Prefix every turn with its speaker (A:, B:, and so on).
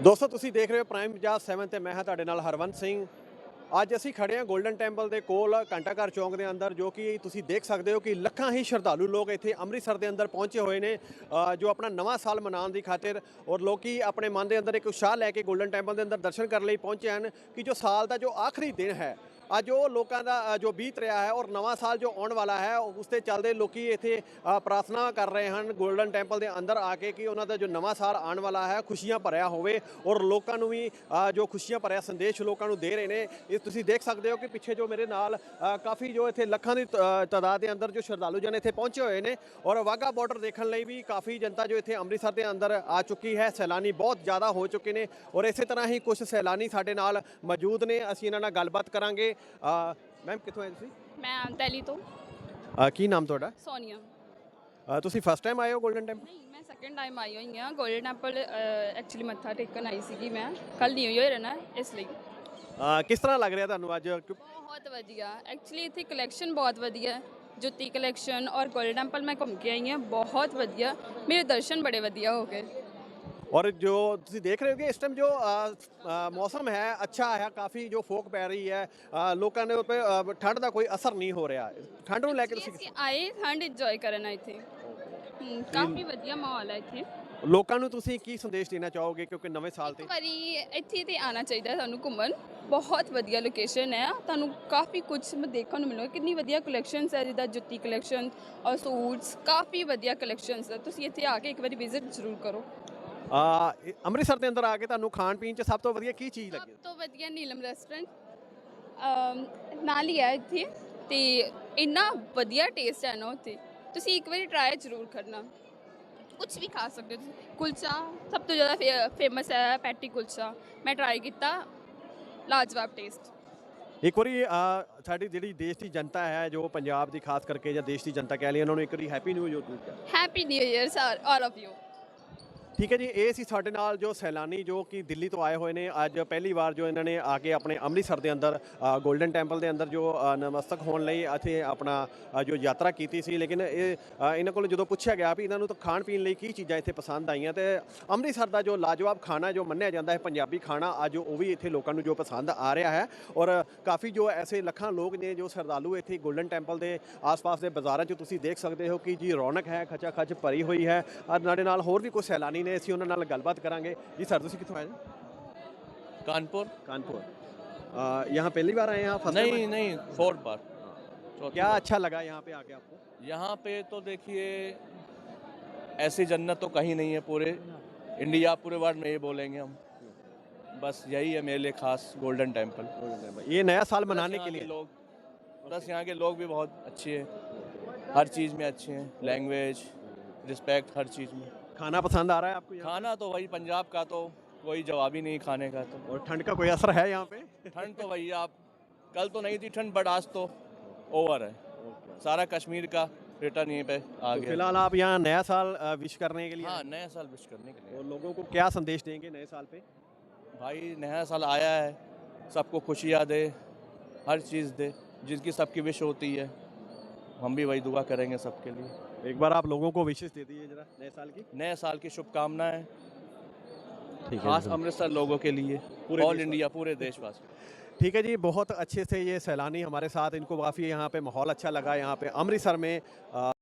A: ਦੋਸਤੋ ਤੁਸੀਂ ਦੇਖ ਰਹੇ ਹੋ ਪ੍ਰਾਈਮ ਪੰਜਾਬ 7 ਤੇ ਮੈਂ ਹਾਂ ਤੁਹਾਡੇ ਨਾਲ ਹਰਵੰਤ ਸਿੰਘ। ਅੱਜ ਅਸੀਂ ਖੜੇ ਹਾਂ ਗੋਲਡਨ ਟੈਂਪਲ ਦੇ ਕੋਲ ਘੰਟਾ ਘਰ ਚੌਂਕ ਦੇ ਅੰਦਰ, ਜੋ ਕਿ ਤੁਸੀਂ ਦੇਖ ਸਕਦੇ ਹੋ ਕਿ ਲੱਖਾਂ ਹੀ ਸ਼ਰਧਾਲੂ ਲੋਕ ਇੱਥੇ ਅੰਮ੍ਰਿਤਸਰ ਦੇ ਅੰਦਰ ਪਹੁੰਚੇ ਹੋਏ ਨੇ ਜੋ ਆਪਣਾ ਨਵਾਂ ਸਾਲ ਮਨਾਉਣ ਦੀ ਖਾਤਰ। ਔਰ ਲੋਕੀ ਆਪਣੇ ਮਨ ਦੇ ਅੰਦਰ ਇੱਕ ਉਤਸ਼ਾਹ ਲੈ ਕੇ ਗੋਲਡਨ ਟੈਂਪਲ ਦੇ ਅੰਦਰ ਦਰਸ਼ਨ ਕਰਨ ਲਈ ਪਹੁੰਚੇ ਹਨ ਕਿ ਜੋ ਸਾਲ ਦਾ ਜੋ ਆਖਰੀ ਦਿਨ ਹੈ ਅੱਜ ਉਹ ਲੋਕਾਂ ਦਾ ਜੋ ਬੀਤ ਰਿਹਾ ਹੈ ਔਰ ਨਵਾਂ ਸਾਲ ਜੋ ਆਉਣ ਵਾਲਾ ਹੈ ਉਸ ਦੇ ਚੱਲਦੇ ਲੋਕੀ ਇੱਥੇ ਪ੍ਰਾਰਥਨਾ ਕਰ ਰਹੇ ਹਨ ਗੋਲਡਨ ਟੈਂਪਲ ਦੇ ਅੰਦਰ ਆ ਕੇ ਕਿ ਉਹਨਾਂ ਦਾ ਜੋ ਨਵਾਂ ਸਾਲ ਆਉਣ ਵਾਲਾ ਹੈ ਖੁਸ਼ੀਆਂ ਭਰਿਆ ਹੋਵੇ ਔਰ ਲੋਕਾਂ ਨੂੰ ਵੀ ਜੋ ਖੁਸ਼ੀਆਂ ਭਰਿਆ ਸੰਦੇਸ਼ ਲੋਕਾਂ ਨੂੰ ਦੇ ਰਹੇ ਨੇ। ਇਹ ਤੁਸੀਂ ਦੇਖ ਸਕਦੇ ਹੋ ਕਿ ਪਿੱਛੇ ਜੋ ਮੇਰੇ ਨਾਲ ਕਾਫੀ ਜੋ ਇੱਥੇ ਲੱਖਾਂ ਦੀ ਤਾਦਾਦ ਦੇ ਅੰਦਰ ਜੋ ਸ਼ਰਧਾਲੂ ਜਨ ਇੱਥੇ ਪਹੁੰਚੇ ਹੋਏ ਨੇ ਔਰ ਵਾਹਗਾ ਬਾਰਡਰ ਦੇਖਣ ਲਈ ਵੀ ਕਾਫੀ ਜਨਤਾ ਜੋ ਇੱਥੇ ਅੰਮ੍ਰਿਤਸਰ ਦੇ ਅੰਦਰ ਆ ਚੁੱਕੀ ਹੈ। ਸੈਲਾਨੀ ਬਹੁਤ ਜ਼ਿਆਦਾ ਹੋ ਚੁੱਕੇ ਨੇ ਔਰ ਇਸੇ ਤਰ੍ਹਾਂ ਹੀ ਕੁਝ ਸੈਲਾਨੀ ਸਾਡੇ ਨਾਲ ਮੌਜੂਦ ਨੇ, ਅਸੀਂ ਇਹਨਾਂ ਨਾਲ ਗੱਲਬਾਤ ਕਰਾਂਗੇ। ਮੈਮ ਕਿੱਥੋਂ ਆਏ ਤੁਸੀਂ?
B: ਮੈਂ ਦਿੱਲੀ ਤੋਂ।
A: ਕੀ ਨਾਮ ਤੁਹਾਡਾ?
B: ਸੋਨੀਆ।
A: ਤੁਸੀਂ ਫਸਟ ਟਾਈਮ ਆਏ ਹੋ ਗੋਲਡਨ ਟੈਂਪਲ?
B: ਨਹੀਂ, ਮੈਂ ਸੈਕੰਡ ਟਾਈਮ ਆਈ ਹੋਈ ਹਾਂ ਗੋਲਡਨ ਟੈਂਪਲ। ਐਕਚੁਅਲੀ ਮੱਥਾ ਟੇਕਣ ਆਈ ਸੀਗੀ ਮੈਂ, ਕੱਲ ਨਿਊ ਈਅਰ ਹੈ ਨਾ ਇਸ ਲਈ।
A: ਕਿਸ ਤਰ੍ਹਾਂ ਲੱਗ ਰਿਹਾ ਤੁਹਾਨੂੰ ਅੱਜ?
B: ਬਹੁਤ ਵਧੀਆ, ਐਕਚੁਅਲੀ ਇੱਥੇ ਕਲੈਕਸ਼ਨ ਬਹੁਤ ਵਧੀਆ, ਜੁੱਤੀ ਕਲੈਕਸ਼ਨ ਔਰ ਗੋਲਡਨ ਟੈਂਪਲ ਮੈਂ ਘੁੰਮ ਕੇ ਆਈ ਹਾਂ, ਬਹੁਤ ਵਧੀਆ, ਮੇਰੇ ਦਰਸ਼ਨ ਬੜੇ ਵਧੀਆ ਹੋ ਗਏ।
A: ਔਰ ਜੋ ਤੁਸੀਂ ਦੇਖ ਰਹੇ ਹੋ ਕਿ ਇਸ ਟਾਈਮ ਜੋ ਮੌਸਮ ਹੈ ਅੱਛਾ ਹੈ, ਕਾਫੀ ਜੋ ਫੋਕ ਪੈ ਰਹੀ ਹੈ, ਲੋਕਾਂ ਦੇ ਉੱਤੇ ਠੰਡ ਦਾ ਕੋਈ ਅਸਰ ਨਹੀਂ ਹੋ ਰਿਹਾ। ਠੰਡ ਨੂੰ ਲੈ ਕੇ
B: ਅਸੀਂ
A: ਤੁਸੀਂ
B: ਆਏ ਠੰਡ ਇੰਜੋਏ ਕਰਨ ਇੱਥੇ। ਕਾਫੀ ਵਧੀਆ ਮਾਹੌਲ ਹੈ ਇੱਥੇ।
A: ਲੋਕਾਂ ਨੂੰ ਤੁਸੀਂ ਕੀ ਸੰਦੇਸ਼ ਦੇਣਾ ਚਾਹੋਗੇ ਕਿਉਂਕਿ ਨਵੇਂ ਸਾਲ ਤੇ?
B: ਇੱਕ ਵਾਰੀ ਇੱਥੇ ਤੇ ਆਉਣਾ ਚਾਹੀਦਾ ਤੁਹਾਨੂੰ ਘੁੰਮਣ, ਬਹੁਤ ਵਧੀਆ ਲੋਕੇਸ਼ਨ ਹੈ, ਤੁਹਾਨੂੰ ਕਾਫੀ ਕੁਝ ਦੇਖਣ ਨੂੰ ਮਿਲੇਗਾ। ਕਿੰਨੀ ਵਧੀਆ ਕਲੈਕਸ਼ਨਸ ਹੈ, ਜਿੱਦਾਂ ਜੁੱਤੀ ਕਲੈਕਸ਼ਨ ਔਰ ਸੂਟਸ, ਕਾਫੀ ਵਧੀਆ ਕਲੈਕਸ਼ਨਸ ਹੈ। ਤੁਸੀਂ ਇੱਥੇ ਆ ਕੇ ਇੱਕ ਵਾਰੀ ਵਿਜ਼ਿਟ ਜ਼ਰੂਰ ਕਰੋ।
A: ਅੰਮ੍ਰਿਤਸਰ ਦੇ ਅੰਦਰ ਆ ਕੇ ਤੁਹਾਨੂੰ ਖਾਣ ਪੀਣ 'ਚ ਸਭ ਤੋਂ ਵਧੀਆ ਕੀ ਚੀਜ਼ ਲੱਗੀ?
B: ਸਭ ਤੋਂ ਵਧੀਆ ਨੀਲਮ ਰੈਸਟੋਰੈਂਟ ਨਾਲ ਹੀ ਹੈ ਇੱਥੇ, ਤੇ ਇੰਨਾ ਵਧੀਆ ਟੇਸਟ ਹੈ ਨਾ ਉੱਥੇ, ਤੁਸੀਂ ਇੱਕ ਵਾਰੀ ਟਰਾਈ ਜ਼ਰੂਰ ਕਰਨਾ। ਕੁਝ ਵੀ ਖਾ ਸਕਦੇ ਹੋ ਤੁਸੀਂ। ਕੁਲਚਾ ਸਭ ਤੋਂ ਜ਼ਿਆਦਾ ਫੇਮਸ ਹੈ, ਪੈਟੀ ਕੁਲਚਾ ਮੈਂ ਟਰਾਈ ਕੀਤਾ, ਲਾਜਵਾਬ ਟੇਸਟ।
A: ਇੱਕ ਵਾਰੀ ਸਾਡੀ ਜਿਹੜੀ ਦੇਸ਼ ਦੀ ਜਨਤਾ ਹੈ, ਜੋ ਪੰਜਾਬ ਦੀ ਖਾਸ ਕਰਕੇ ਜਾਂ ਦੇਸ਼ ਦੀ ਜਨਤਾ ਕਹਿ ਲਈ, ਉਹਨਾਂ ਨੂੰ ਇੱਕ ਵਾਰੀ happy new year.
B: Happy new year sir all of you.
A: ਠੀਕ ਹੈ ਜੀ, ਇਹ ਸੀ ਸਾਡੇ ਨਾਲ ਜੋ ਸੈਲਾਨੀ ਜੋ ਕਿ ਦਿੱਲੀ ਤੋਂ ਆਏ ਹੋਏ ਨੇ। ਅੱਜ ਪਹਿਲੀ ਵਾਰ ਜੋ ਇਹਨਾਂ ਨੇ ਆ ਕੇ ਆਪਣੇ ਅੰਮ੍ਰਿਤਸਰ ਦੇ ਅੰਦਰ ਗੋਲਡਨ ਟੈਂਪਲ ਦੇ ਅੰਦਰ ਜੋ ਨਮਸਤਕ ਹੋਣ ਲਈ ਇੱਥੇ ਆਪਣਾ ਜੋ ਯਾਤਰਾ ਕੀਤੀ ਸੀ। ਲੇਕਿਨ ਇਹਨਾਂ ਕੋਲ ਜਦੋਂ ਪੁੱਛਿਆ ਗਿਆ ਵੀ ਇਹਨਾਂ ਨੂੰ ਤਾਂ ਖਾਣ ਪੀਣ ਲਈ ਕੀ ਚੀਜ਼ਾਂ ਇੱਥੇ ਪਸੰਦ ਆਈਆਂ, ਤੇ ਅੰਮ੍ਰਿਤਸਰ ਦਾ ਜੋ ਲਾਜਵਾਬ ਖਾਣਾ ਜੋ ਮੰਨਿਆ ਜਾਂਦਾ ਹੈ ਪੰਜਾਬੀ ਖਾਣਾ, ਅੱਜ ਉਹ ਵੀ ਇੱਥੇ ਲੋਕਾਂ ਨੂੰ ਜੋ ਪਸੰਦ ਆ ਰਿਹਾ ਹੈ। ਔਰ ਕਾਫੀ ਜੋ ਐਸੇ ਲੱਖਾਂ ਲੋਕ ਨੇ ਜੋ ਸ਼ਰਧਾਲੂ ਇੱਥੇ ਗੋਲਡਨ ਟੈਂਪਲ ਦੇ ਆਸ-ਪਾਸ ਦੇ ਬਾਜ਼ਾਰਾਂ 'ਚ ਤੁਸੀਂ ਦੇਖ ਸਕਦੇ ਹੋ ਕਿ ਜੀ ਰੌਣਕ ਹੈ, ਖਚਾ ਖਚ ਭਰੀ ਹੋਈ ਹੈ। ਔਰ ਸਾਡੇ ਨਾਲ ਹੋਰ ਵੀ ਕੁਝ ਸੈਲਾਨੀ ਨੇ, ਅਸੀਂ ਉਹਨਾਂ ਨਾਲ ਗੱਲਬਾत करेंगे। जी सर, ਤੁਸੀਂ ਕਿੱਥੋਂ ਆਏ ਜੀ?
C: कानपुर।
A: यहाँ पहली बार आए हैं आप?
C: नहीं नहीं, फोर्थ बार।
A: क्या अच्छा लगा यहाँ पे आके आपको?
C: यहाँ पे तो देखिए ऐसी जन्नत तो कहीं नहीं है पूरे इंडिया, पूरे वर्ल्ड में ये बोलेंगे हम। बस यही है मेरे लिए खास गोल्डन टेम्पल।
A: ये नया साल मनाने के लिए
C: लोग, प्लस यहाँ के लोग भी बहुत अच्छे हैं, हर चीज़ में अच्छे हैं, लैंग्वेज, रिस्पेक्ट, हर चीज़ में।
A: खाना पसंद आ रहा है आपको?
C: खाना तो वही पंजाब का, तो कोई जवाब ही नहीं खाने का। तो
A: और ठंड का कोई असर है यहाँ पे?
C: ठंड तो भैया आप कल तो नहीं थी ठंड, बट आज तो ओवर है। सारा कश्मीर का रिटर्न यहीं पे आ गया।
A: फिलहाल आप यहाँ नया साल विश करने के लिए?
C: हाँ, नया साल विश करने के लिए।
A: और लोगों को क्या संदेश देंगे नए साल पे?
C: भाई नया साल आया है, सबको खुशियाँ दे, हर चीज़ दे, जिसकी सबकी विश होती है, हम भी वही दुआ करेंगे सबके लिए।
A: एक बार आप लोगों को विशेष दे दीजिए जरा नए साल की।
C: नए साल की शुभकामनाएं
A: खास
C: अमृतसर लोगों के लिए, ऑल इंडिया, पूरे देशवासी।
A: ठीक है जी, बहुत अच्छे से ये सैलानी हमारे साथ, इनको काफ़ी यहाँ पे माहौल अच्छा लगा यहाँ पे अमृतसर में।